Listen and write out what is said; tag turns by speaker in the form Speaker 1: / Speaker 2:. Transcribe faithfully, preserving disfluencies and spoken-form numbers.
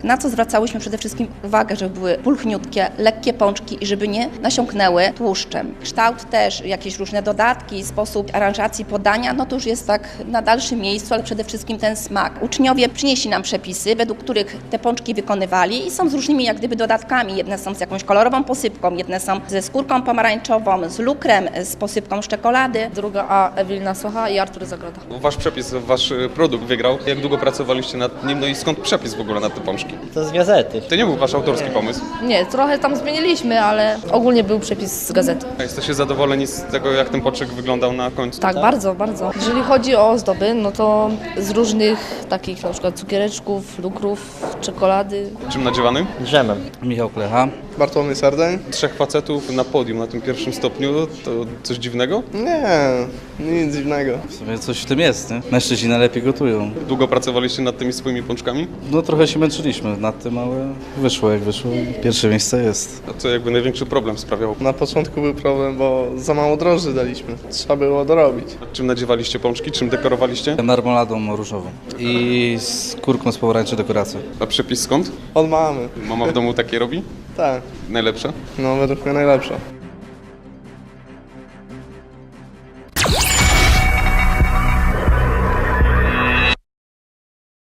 Speaker 1: Na co zwracałyśmy przede wszystkim uwagę, żeby były pulchniutkie, lekkie pączki i żeby nie nasiąknęły tłuszczem. Kształt też, jakieś różne dodatki, sposób aranżacji podania, no to już jest tak na dalszym miejscu, ale przede wszystkim ten smak. Uczniowie przynieśli nam przepisy, według których te pączki wykonywali i są z różnymi jak gdyby dodatkami. Jedne są z jakąś kolorową posypką, jedne są ze skórką pomarańczową, z lukrem, z posypką z czekolady.
Speaker 2: Druga A Ewelina Socha i Artur Zagroda.
Speaker 3: Wasz przepis, wasz produkt wygrał. Jak długo pracowaliście nad nim, no i skąd przepis w ogóle na te pączki?
Speaker 4: To z gazety.
Speaker 3: To nie był wasz autorski pomysł.
Speaker 2: Nie, trochę tam zmieniliśmy, ale ogólnie był przepis z gazety.
Speaker 3: A jesteście zadowoleni z tego, jak ten pączek wyglądał na końcu?
Speaker 2: Tak, bardzo, bardzo. Jeżeli chodzi o ozdoby, no to z różnych takich na przykład cukiereczków, lukrów, czekolady.
Speaker 3: Czym nadziewany?
Speaker 4: Drzemem.
Speaker 5: Michał Klecha.
Speaker 6: Bartłomiej Sardeń?
Speaker 3: Trzech facetów na podium na tym pierwszym stopniu, to coś dziwnego?
Speaker 6: Nie, nic dziwnego.
Speaker 5: W sumie coś w tym jest, nie? Mężczyźni najlepiej gotują.
Speaker 3: Długo pracowaliście nad tymi swoimi pączkami?
Speaker 5: No trochę się męczyliśmy nad tym, ale wyszło jak wyszło. Pierwsze miejsce jest.
Speaker 3: A co jakby największy problem sprawiało?
Speaker 6: Na początku był problem, bo za mało drożdży daliśmy. Trzeba było dorobić.
Speaker 3: A czym nadziewaliście pączki? Czym dekorowaliście?
Speaker 5: Marmoladą różową i z kurką z pomarańczy dekoracją.
Speaker 3: A przepis skąd?
Speaker 6: Od mamy.
Speaker 3: Mama w domu takie robi?
Speaker 6: Tak,
Speaker 3: Najlepsze?
Speaker 6: no według mnie najlepsza.